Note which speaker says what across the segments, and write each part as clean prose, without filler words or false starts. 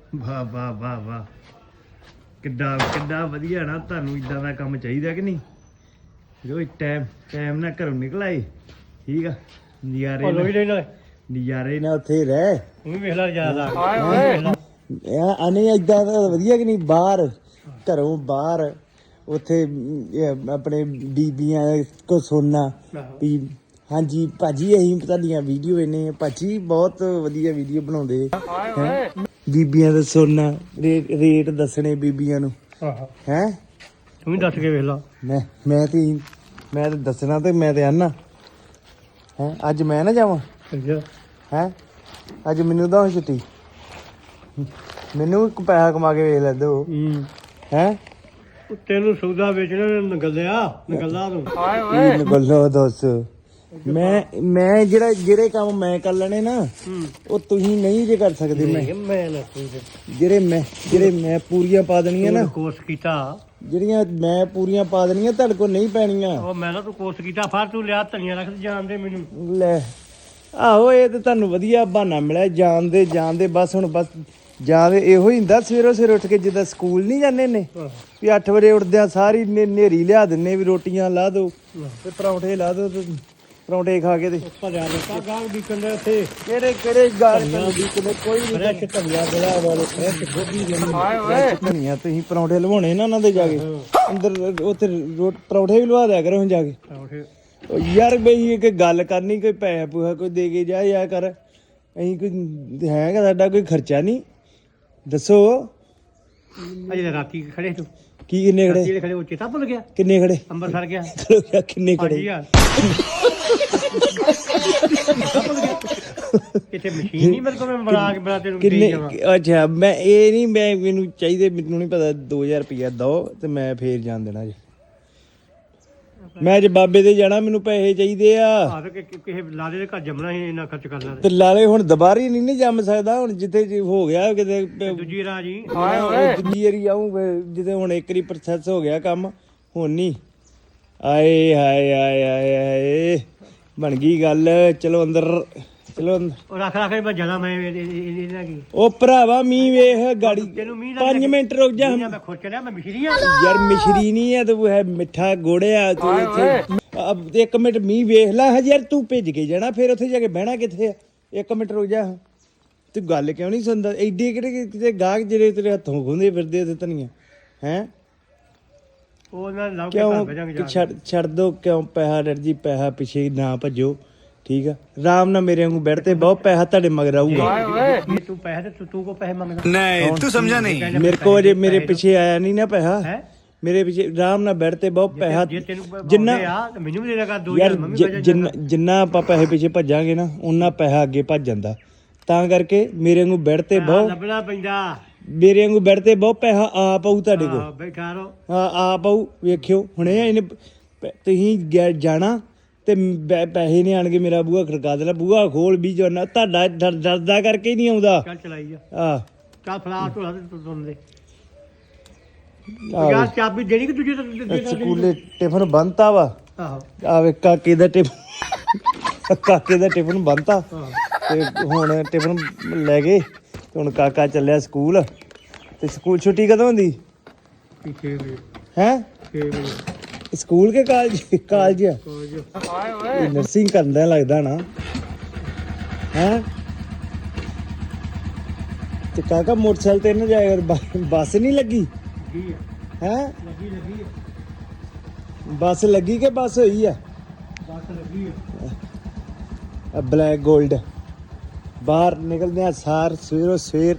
Speaker 1: ਵਾਹ ਵਾਹ ਵਾਹ ਵਾਹ, ਕਿੱਡਾ ਕਿੱਡਾ ਵਧੀਆ ਨਾ। ਤੁਹਾਨੂੰ ਇਦਾਂ ਦਾ ਕੰਮ ਚਾਹੀਦਾ ਕਿ ਨਹੀਂ? ਰੋਜ਼ ਟਾਈਮ ਨਾਲ ਘਰੋਂ ਨਿਕਲ ਆਏ, ਠੀਕ ਆ। ਨਜ਼ਾਰੇ ਨਾਲ ਉੱਥੇ ਰਹਿ
Speaker 2: ਵੇਖ ਲੈ ਜਿਆਦਾ
Speaker 1: ਆਨੇ ਏਦਾਂ ਦਾ ਵਧੀਆ ਕਿ ਨਹੀਂ? ਬਾਹਰ ਘਰੋਂ ਬਾਹਰ ਉੱਥੇ ਆਪਣੇ ਬੀਬੀਆਂ ਕੋ ਸੁਣਨਾ ਵੀ ਹਾਂਜੀ ਭਾਜੀ ਅਸੀਂ ਤੁਹਾਡੀਆਂ ਵੀਡੀਓ ਵੇਖਦੇ ਭਾਜੀ, ਬਹੁਤ ਵਧੀਆ ਵੀਡੀਓ ਬਣਾਉਂਦੇ ਬੀਬੀਆਂ ਦਾ ਸੁਣਨਾ, ਰੇਟ ਦੱਸਣੇ ਬੀਬੀਆਂ ਨੂੰ ਹੈ।
Speaker 2: ਤੂੰ ਵੀ ਦੱਸ ਕੇ ਵੇਖ ਲਾ।
Speaker 1: ਮੈਂ ਤੇ ਦੱਸਣਾ ਤੇ ਮੈਂ ਤੇ ਆਨਾ ਹੈ। ਅੱਜ ਮੈਂ ਨਾ ਜਾਵਾਂ ਹੈ? ਅੱਜ ਮੈਨੂੰ ਤਾਂ ਛੁੱਟੀ, ਮੈਨੂੰ ਵੀ ਪੈਸਾ ਕਮਾ ਕੇ ਵੇਖ ਲੈਂਦੇ ਹੋ ਹੈ।
Speaker 2: ਤੈਨੂੰ ਸੌਦਾ ਵੇਚਣਾ ਨਗੱਲਾ ਤੂੰ
Speaker 1: ਨਗੱਲਾ ਦੱਸ। ਮੈਂ ਜਿਹੜੇ ਕੰਮ ਮੈਂ ਕਰ ਲੈਣੇ ਨਾ ਉਹ ਤੁਸੀਂ ਨਹੀਂ ਜੇ ਕਰ ਸਕਦੇ। ਜਿਹੜੇ ਮੈਂ ਪੂਰੀਆਂ ਪਾ ਦੇਣੀਆਂ ਨਾ,
Speaker 2: ਕੋਰਸ ਕੀਤਾ
Speaker 1: ਜਿਹੜੀਆਂ ਮੈਂ ਪੂਰੀਆਂ ਪਾ ਦੇਣੀਆਂ ਤੁਹਾਡੇ ਕੋਲ ਨਹੀਂ ਪੈਣੀਆਂ।
Speaker 2: ਉਹ ਮੈਂ ਨਾ ਤੂੰ ਕੋਰਸ ਕੀਤਾ ਫਰ ਤੂੰ ਲਿਆ ਧਨੀਆ ਰੱਖ ਜਾਣਦੇ ਮੈਨੂੰ
Speaker 1: ਲੈ। ਆਹੋ ਇਹ ਤੇ ਤੁਹਾਨੂੰ ਵਧੀਆ ਬਹਾਨਾ ਮਿਲਿਆ ਜਾਣਦੇ ਬਸ। ਹੁਣ ਬਸ ਜਾਂਦੇ ਇਹੋ ਹੀ ਹੁੰਦਾ, ਸਵੇਰੇ ਉੱਠ ਕੇ ਜਿੱਦਾਂ ਸਕੂਲ ਨਹੀਂ ਜਾਂਦੇ ਨੇ ਵੀ 8 ਵਜੇ ਉੱਠਦਿਆਂ ਸਾਰੀ ਨੇਰੀ ਲਿਆ ਦਿੰਨੇ ਵੀ ਰੋਟੀਆਂ ਲਾ ਦੋ ਤੇ ਪਰੌਂਠੇ ਲਾ ਦੋ ਤੇ ਪਰੌਂਠੇ ਖਾ ਕੇ ਤੇ ਕਿਹੜੇ ਗਾਲ ਵਿਕਦੇ? ਕੋਈ ਨਹੀਂ। ਧਨੀਆ ਤੁਸੀਂ ਪਰੌਂਠੇ ਲਵਾਉਣੇ ਨਾ ਉਹਨਾਂ ਦੇ ਜਾ ਕੇ ਅੰਦਰ, ਉੱਥੇ ਪਰੌਂਠੇ ਵੀ ਲਵਾ ਦਿਆ ਕਰੋ ਹੁਣ ਜਾ ਕੇ। ਯਾਰ ਬਈ ਇੱਕ ਗੱਲ ਕਰਨੀ, ਕੋਈ ਪੈਸਾ ਪੂਹਾ ਕੋਈ ਦੇ ਕੇ ਜਾ ਕਰ। ਅਸੀਂ ਕੋਈ ਹੈਗਾ ਸਾਡਾ ਕੋਈ ਖਰਚਾ ਨਹੀਂ, ਦੱਸੋ।
Speaker 2: ਅਜੇ ਰਾਤੀ ਖੜੇ ਤੂੰ
Speaker 1: ਕੀ ਕਿੰਨੇ ਖੜੇ?
Speaker 2: ਖੜੇ ਉਹ ਚੇਤਾ ਭੁੱਲ ਗਿਆ?
Speaker 1: ਕਿੰਨੇ ਖੜੇ?
Speaker 2: ਅੰਬਰਸਰ ਗਿਆ।
Speaker 1: ਕਿੰਨੇ ਖੜੇ?
Speaker 2: ਕਿਤੇ ਮਸ਼ੀਨ ਨਹੀਂ ਮੇਰੇ ਕੋਲ, ਮੈਂ ਬਣਾ ਤੈਨੂੰ
Speaker 1: ਕਿੰਨੇ? ਅੱਛਾ ਮੈਂ ਇਹ ਨਹੀਂ, ਮੈਨੂੰ ਚਾਹੀਦੇ, ਮੈਨੂੰ ਨਹੀਂ ਪਤਾ। 2000 ਰੁਪਇਆ ਦੋ ਤੇ ਮੈਂ ਫੇਰ ਜਾਣ ਦੇਣਾ ਜੀ। ਮੈਂ ਅੱਜ ਬਾਬੇ ਦੇ ਜਾਣਾ, ਮੈਨੂੰ ਪੈਸੇ ਚਾਹੀਦੇ ਆ।
Speaker 2: ਕਿਸੇ ਲਾਲੇ ਦੇ ਘਰ ਜੰਮਣਾ ਸੀ, ਇੰਨਾ ਖਰਚ ਕਰਨਾ
Speaker 1: ਤੇ ਲਾਲੇ ਹੁਣ ਦੁਬਾਰਾ ਨਹੀਂ ਜੰਮ ਸਕਦਾ। ਹੁਣ ਜਿੱਥੇ ਹੋ ਗਿਆ ਕਿਤੇ
Speaker 2: ਦੂਜੀ ਰਾਹ ਜੀ,
Speaker 1: ਦੂਜੀ ਵਾਰੀ ਆਊਂ ਜਿੱਥੇ ਹੁਣ ਇੱਕ ਵਾਰੀ ਪ੍ਰੋਸੈਸ ਹੋ ਗਿਆ ਕੰਮ, ਹੁਣ ਨਹੀਂ। ਆਏ ਹਾਏ ਆਏ ਆਏ ਆਏ, ਬਣ ਗਈ ਗੱਲ। ਚਲੋ ਅੰਦਰ ਚਲੋ।
Speaker 2: ਰੱਖ ਮੈਂ ਜਾਣਾ। ਮੈਂ ਇਹਨਾਂ ਕੀ
Speaker 1: ਉਹ ਭਰਾਵਾ ਮੀਂਹ ਵੇਖ ਗਾੜੀ। 5 ਮਿੰਟ ਰੁਕ ਜਾ।
Speaker 2: ਮੈਂ ਖੁਸ਼ ਚਲਿਆ, ਮੈਂ ਮਿਸ਼ਰੀ ਆ
Speaker 1: ਯਾਰ ਮਿਸ਼ਰੀ ਨਹੀਂ ਹੈ ਤੂੰ, ਹੈ ਮਿੱਠਾ ਗੋੜਿਆ ਤੂੰ। ਇੱਥੇ 1 ਮਿੰਟ ਮੀਂਹ ਵੇਖ ਲੈ। ਹਜੇ ਯਾਰ ਤੂੰ ਭਿੱਜ ਕੇ ਜਾਣਾ, ਫਿਰ ਉੱਥੇ ਜਾ ਕੇ ਬਹਿਣਾ ਕਿੱਥੇ ਆ? 1 ਮਿੰਟ ਰੁਕ ਜਾ। ਤੂੰ ਗੱਲ ਕਿਉਂ ਨਹੀਂ ਸੁਣਦਾ? ਐਡੇ ਕਿਹੜੇ ਕਿਤੇ ਗਾਹਕ ਜਿਹੜੇ ਤੇਰੇ ਹੱਥੋਂ ਖੁੰਦੇ ਫਿਰਦੇ ਤੇ ਧਨੀਆ ਹੈ? ਕਿਉਂ ਛੱਡ ਦੋ? ਕਿਉਂ ਪੈਸਾ ਡਰ ਜੀ, ਪੈਸਾ ਪਿੱਛੇ ਨਾ ਭੱਜੋ, ਠੀਕ ਆ। ਆਰਾਮ ਨਾਲ ਮੇਰੇ ਵਾਂਗੂ ਬੈਠ ਤੇ ਬਹੁਤ ਪੈਸਾ ਤੁਹਾਡੇ ਮਗਰ ਆਊਗਾ।
Speaker 2: ਤੂੰ ਪੈਸੇ ਤੂੰ ਕੋ ਪੈਸੇ ਮੰਗਦਾ?
Speaker 1: ਨਹੀਂ ਤੂੰ ਸਮਝਾ ਨਹੀਂ। ਮੇਰੇ ਕੋਲ ਅਜੇ ਮੇਰੇ ਪਿੱਛੇ ਆਇਆ ਨਹੀਂ ਨਾ ਪੈਸਾ। ਮੇਰੇ ਪਿੱਛੇ ਆਰਾਮ ਨਾਲ ਬੈਠ ਤੇ ਬਹੁਤ ਪੈਸਾ, ਜਿੰਨਾ
Speaker 2: ਮੈਨੂੰ ਵੀ ਦੇ ਦੇਗਾ
Speaker 1: 2000। ਜਿੰਨਾ ਆਪਾਂ ਪੈਸੇ ਪਿੱਛੇ ਭੱਜਾਂਗੇ ਨਾ ਉਹਨਾਂ ਪੈਸਾ ਅੱਗੇ ਭੱਜ ਜਾਂਦਾ। ਤਾਂ ਕਰਕੇ ਮੇਰੇ ਵਾਂਗੂ ਬੈਠ ਤੇ ਬਹੁਤ
Speaker 2: ਲੱਭਣਾ ਪੈਂਦਾ।
Speaker 1: ਮੇਰੇ ਵਾਂਗੂ ਬੈਠ ਤੇ ਬਹੁਤ ਪੈਸਾ ਆ ਪਾਊ ਤੁਹਾਡੇ ਕੋਲ।
Speaker 2: ਬੈਠਾ ਰਹੋ।
Speaker 1: ਹਾਂ ਆ ਪਾਊ। ਵੇਖਿਓ ਹੁਣੇ ਇਹਨੇ ਤੁਸੀਂ ਜਾਣਾ ਤੇ ਪੈਸੇ ਨਹੀਂ ਆਣਗੇ, ਮੇਰਾ ਬੂਹਾ ਖੜਕਾ ਦੇਣਾ। ਬੂਹਾ ਖੋਲ ਵੀ ਜਾਣਾ, ਤੁਹਾਡਾ ਡਰਦਾ ਕਰਕੇ ਹੀ ਨਹੀਂ ਆਉਂਦਾ।
Speaker 2: ਚੱਲ ਚਲਾਈ
Speaker 1: ਆ
Speaker 2: ਚੱਲ ਫਲਾ ਢੋਲਾ ਤੇ ਤੁੰਦੇ ਯਾਰ ਚਾਬੀ ਦੇਣੀ ਕਿ ਦੂਜੇ
Speaker 1: ਸਕੂਲੇ ਟਿਫਨ ਬੰਨਤਾ ਵਾ।
Speaker 2: ਆਹੋ
Speaker 1: ਆਵੇ ਕਾਕੇ ਦਾ ਟਿਫਨ ਬੰਨਤਾ ਤੇ ਹੁਣ ਟਿਫਨ ਲੈ ਗਏ ਤੇ ਹੁਣ ਕਾਕਾ ਚੱਲਿਆ ਸਕੂਲ। ਤੇ ਸਕੂਲ ਛੁੱਟੀ ਕਦੋਂ ਹੁੰਦੀ?
Speaker 2: 6 ਵਜੇ
Speaker 1: ਹੈ?
Speaker 2: 6 ਵਜੇ
Speaker 1: ਸਕੂਲ ਕੇ ਕਾਲਜ ਨਰਸਿੰਗ ਕਰਦਾ ਲੱਗਦਾ ਨਾ ਹੈ। ਤੇ ਕਾਕਾ ਮੋਟਰਸਾਈਕਲ ਤੇ ਨਾ ਜਾਏਗਾ, ਬੱਸ ਨਹੀਂ ਲੱਗੀ ਹੈ?
Speaker 2: ਲੱਗੀ
Speaker 1: ਬੱਸ ਲੱਗੀ ਕਿ ਬੱਸ ਹੋਈ ਆ?
Speaker 2: ਬੱਸ ਲੱਗੀ ਹੈ।
Speaker 1: ਬਲੈਕ ਗੋਲਡ ਬਾਹਰ ਨਿਕਲਦੇ ਆ ਸਾਰ ਸਵੇਰੋ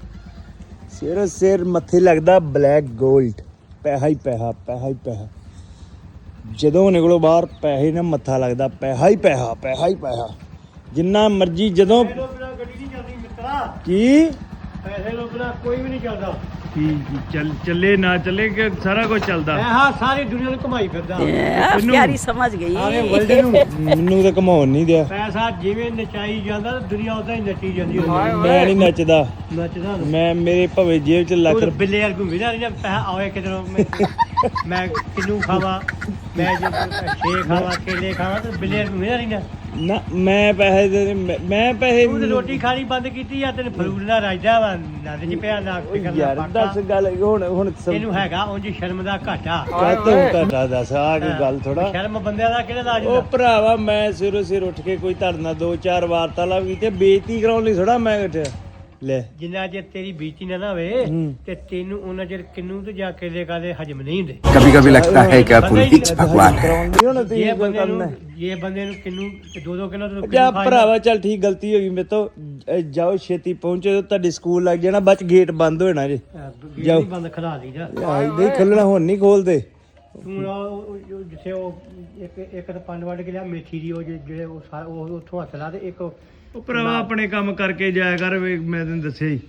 Speaker 1: ਸਵੇਰ ਮੱਥੇ ਲੱਗਦਾ ਬਲੈਕ ਗੋਲਡ। ਪੈਸਾ ਹੀ ਪੈਸਾ। ਜਦੋਂ ਨਿਕਲੋ ਬਾਹਰ ਪੈਸੇ ਨਾਲ ਮੱਥਾ ਲੱਗਦਾ। ਪੈਸਾ ਹੀ ਪੈਸਾ। ਜਿੰਨਾ ਮਰਜੀ ਜਦੋਂ
Speaker 2: ਗੱਡੀ ਨਹੀਂ ਚੱਲਦੀ ਮਿੱਤਰਾ।
Speaker 1: ਕੀ
Speaker 2: ਪੈਸੇ ਤੋਂ ਬਿਨਾਂ ਕੋਈ ਵੀ ਨਹੀਂ ਚੱਲਦਾ।
Speaker 1: ਚੱਲੇ ਨਾ ਚੱਲੇ ਕਿ ਸਾਰਾ ਕੁਝ ਚੱਲਦਾ।
Speaker 2: ਸਾਰੀ ਦੁਨੀਆ ਨੂੰ ਘੁਮਾਈ ਫਿਰਦਾ।
Speaker 3: ਪਿਆਰੀ ਸਮਝ ਗਈ।
Speaker 1: ਮੈਨੂੰ ਤਾਂ ਘਮਾਉਣ ਨਹੀਂ ਦਿਆ।
Speaker 2: ਪੈਸਾ ਜਿਵੇਂ ਨਚਾਈ ਜਾਂਦਾ ਦੁਨੀਆ ਉਦਾਂ ਹੀ ਨੱਚੀ ਜਾਂਦੀ।
Speaker 1: ਮੈਂ ਨਹੀਂ ਨੱਚਦਾ।
Speaker 2: ਨੱਚਦਾ
Speaker 1: ਮੈਂ ਮੇਰੇ ਭਵੇਂ ਜੇਬ ਚ ਲੱਖ
Speaker 2: ਬਿੱਲੇ ਯਾਰ ਘੁੰਮੀ ਨਾ ਪੈਸਾ ਆਵੇ ਕਿਧਰੋਂ। ਮੈਂ ਕਿੰਨੂ ਖਾਵਾਂ, ਮੈਂ ਜੇ ਛੇ ਖਾਵਾਂ, ਕੇਲੇ ਖਾਵਾਂ ਤੇ ਬਿੱਲੇ ਨੂੰ ਮੇਰਾ ਨਹੀਂ ਨਾ।
Speaker 1: ਨਾ ਮੈਂ ਪੈਸੇ ਦੇ ਮੈਂ ਪੈਸੇ
Speaker 2: ਤੂੰ ਤੇ ਰੋਟੀ ਖਾਣੀ ਬੰਦ ਕੀਤੀ ਆ, ਤੈਨੂੰ ਫਰੂਟ ਨਾਲ ਰਾਜਦਾ ਵਾ, ਨੱਦ ਚ ਪਿਆ ਨਾ ਫਿਕਰ ਨਾ
Speaker 1: ਯਾਰ ਦੱਸ
Speaker 2: ਪਾਟਾ।
Speaker 1: ਗੱਲ ਹੁਣ
Speaker 2: ਇਹਨੂੰ ਹੈਗਾ ਉਂਝ ਸ਼ਰਮ ਦਾ ਘਾਟਾ।
Speaker 1: ਕਾਤੋਂ ਤੁਹਾਡਾ ਦੱਸ ਆ ਕੋਈ ਗੱਲ ਥੋੜਾ।
Speaker 2: ਸ਼ਰਮ ਬੰਦਿਆਂ ਦਾ ਕਿਹੜਾ ਲਾਜ
Speaker 1: ਉਹ
Speaker 2: ਹੁੰਦਾ?
Speaker 1: ਭਰਾਵਾ ਮੈਂ ਸਿਰੋਂ ਸਿਰ ਉੱਠ ਕੇ ਕੋਈ ਧਰਨਾ 2-4 ਵਾਰਤਾਲਾਪ ਕੀਤੇ, ਬੇਇੱਜ਼ਤੀ ਕਰਾਉਣ ਲਈ ਥੋੜਾ ਮੈਂ ਉੱਠਿਆ ਲੈ।
Speaker 2: ਜਿੰਨਾ ਚਿਰ ਤੇਰੀ ਬੀਤੀ ਨਾ ਨਾ ਹੋਵੇ
Speaker 1: ਹੂੰ।
Speaker 2: ਤੇ ਤੈਨੂੰ ਉਹਨਾਂ ਚਿਰ ਕਿੰਨੂ ਤੇ ਜਾ ਕੇਲੇ ਕਾਲੇ ਹਜਮ ਨਹੀਂ ਹੁੰਦੇ।
Speaker 4: कभी कभी लगता है कि आप कुछ भगवान है।
Speaker 1: ਕਰਾਉਣ ਦੀ ਹੁਣ
Speaker 2: ਜੇ
Speaker 1: ਤੀ
Speaker 2: ਬੰਦੇ
Speaker 1: ਕਰਨਾ
Speaker 2: ਨੂੰ ਜੇ ਬੰਦੇ ਨੂੰ ਕਿੰਨੂ ਤੇ 2-2 ਕਿਲੋ ਤੋਂ
Speaker 1: ਜਾ ਭਰਾਵਾ ਚੱਲ ਠੀਕ, ਗਲਤੀ ਹੋ ਗਈ ਮੇਰੇ ਤੋਂ। ਜਾਓ ਛੇਤੀ ਪਹੁੰਚੋ, ਤੁਹਾਡੀ ਸਕੂਲ ਲੱਗ ਜਾਣਾ, ਬਾਅਦ ਚ ਗੇਟ ਬੰਦ ਹੋ ਜਾਣਾ ਜੇ।
Speaker 2: ਜਾਓ ਬੰਦ ਖਲਾ ਲਈ ਜਾ।
Speaker 1: ਨਹੀਂ ਖੁੱਲਣਾ, ਹੁਣ ਨਹੀਂ ਖੋਲਦੇ।
Speaker 2: ਤੂੰ ਉਹ ਜਿੱਥੇ ਉਹ ਇੱਕ ਤਾਂ ਪੰਡ ਵੱਢ ਕੇ ਲਿਆ ਮੇਥੀ ਦੀ, ਉਹ ਜਿਹੜੇ ਉਹ ਉੱਥੋਂ ਹੱਥ ਲਾ ਤੇ ਇੱਕ
Speaker 1: ਉਹ ਭਰਾਵਾ ਆਪਣੇ ਕੰਮ ਕਰਕੇ ਜਾਇਆ ਕਰ, ਮੈਂ ਤੈਨੂੰ ਦੱਸਿਆ ਹੀ।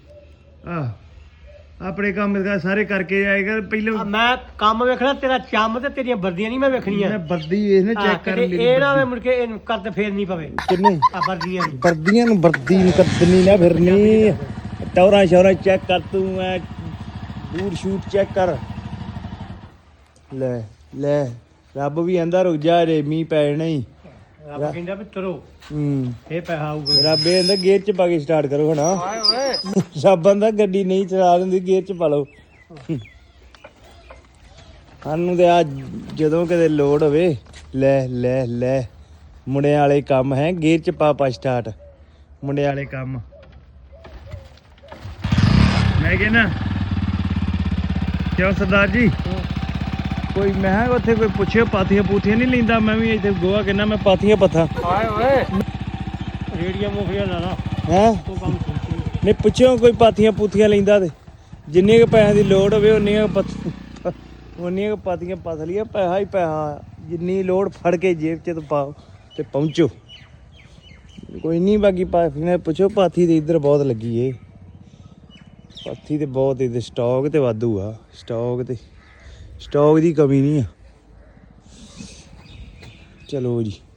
Speaker 1: ਆਪਣੇ ਕੰਮ ਸਾਰੇ ਕਰਕੇ ਜਾਇਆ ਕਰ ਪਹਿਲਾਂ।
Speaker 2: ਮੈਂ ਕੰਮ ਵੇਖਣਾ ਤੇਰਾ ਚੰਮ ਤੇ ਤੇਰੀਆਂ ਵਰਦੀਆਂ ਨਹੀਂ ਮੈਂ ਵੇਖਣੀਆਂ।
Speaker 1: ਮੈਂ ਵਰਦੀ ਇਹਨੇ ਚੈੱਕ ਕਰ ਲਈ।
Speaker 2: ਇਹ ਨਾ ਵੇ ਮੁੜ ਕੇ ਇਹਨੂੰ ਕਰਦ ਫੇਰ ਨਹੀਂ ਪਵੇ
Speaker 1: ਕਿੰਨੇ
Speaker 2: ਆ ਵਰਦੀਆਂ ਨੂੰ।
Speaker 1: ਵਰਦੀਆਂ ਨੂੰ ਵਰਦੀ ਨੂੰ ਕੱਦਣੀ ਨਾ ਫਿਰਨੀ। ਟੌਰਾਂ ਸ਼ੌਰਾਂ ਚੈੱਕ ਕਰ ਤੂੰ, ਐ ਬੂਟ ਸ਼ੂਟ ਚੈੱਕ ਕਰ ਲੈ ਲੈ। ਰੱਬ ਵੀ ਆਂਦਾ ਰੁਕ ਜਾ ਰੇ, ਮੀਂਹ ਪੈ ਜਾਣਾ ਹੀ।
Speaker 2: ਰੱਬ ਕਹਿੰਦਾ ਵੀ ਤੁਰੋ
Speaker 1: ਹੂੰ
Speaker 2: ਇਹ ਪੈਸਾ ਆਊਗਾ।
Speaker 1: ਰੱਬ ਇਹ ਆਂਦਾ ਗੇਅਰ ਚ ਪਾ ਕੇ ਸਟਾਰਟ ਕਰੋ ਹੁਣ। ਰੱਬ ਆਂਦਾ ਗੱਡੀ ਨਹੀਂ ਚਲਾ ਦਿੰਦੀ, ਗੇਅਰ ਚ ਪਾ ਲਓ। ਸਾਨੂੰ ਤੇ ਆ ਜਦੋਂ ਕਿਤੇ ਲੋੜ ਹੋਵੇ ਲੈ ਲੈ ਲੈ, ਮੁੰਡਿਆਂ ਵਾਲੇ ਕੰਮ ਹੈ, ਗੇਅਰ ਚ ਪਾ ਸਟਾਰਟ, ਮੁੰਡਿਆਂ ਵਾਲੇ ਕੰਮ। ਮੈਂ ਕਹਿੰਦਾ ਕਿਉਂ ਸਰਦਾਰ ਜੀ, ਕੋਈ ਮੈਂ ਕਿਹਾ ਉੱਥੇ ਕੋਈ ਪੁੱਛਿਓ ਪਾਥੀਆਂ ਪੂਥੀਆਂ ਨਹੀਂ ਲੈਂਦਾ? ਮੈਂ ਵੀ ਇੱਥੇ ਗੋਆ ਕਿੰਨਾ ਮੈਂ ਪਾਥੀਆਂ ਪੱਥਾ
Speaker 2: ਰੇੜੀਆਂ ਮੁਖੀਆਂ ਲਾ ਲਾ
Speaker 1: ਹੈ।
Speaker 2: ਉਹ ਕੰਮ ਸੋਚੀ।
Speaker 1: ਨਹੀਂ ਪੁੱਛਿਓ ਕੋਈ ਪਾਥੀਆਂ ਪੂਥੀਆਂ ਲੈਂਦਾ ਤੇ ਜਿੰਨੀਆਂ ਕੁ ਪੈਸਿਆਂ ਦੀ ਲੋੜ ਹੋਵੇ ਉਨੀਆਂ ਕੁ ਪਾਥੀਆਂ ਪੱਥ ਲਈਏ। ਪੈਸਾ ਹੀ ਪੈਸਾ, ਜਿੰਨੀ ਲੋੜ ਫੜ ਕੇ ਜੇਬ 'ਚ ਤੇ ਪਾਓ ਤੇ ਪਹੁੰਚੋ। ਕੋਈ ਨਹੀਂ ਬਾਕੀ ਪਾਥੀਆਂ ਪੁੱਛੋ, ਪਾਥੀ ਤੇ ਇੱਧਰ ਬਹੁਤ ਲੱਗੀ ਏ। ਪਾਥੀ ਤੇ ਬਹੁਤ ਇਹਦੇ ਸਟਾਕ ਤੇ ਵਾਧੂ ਆ, ਸਟਾਕ ਦੀ ਕਮੀ ਨਹੀਂ ਆ। ਚਲੋ ਜੀ।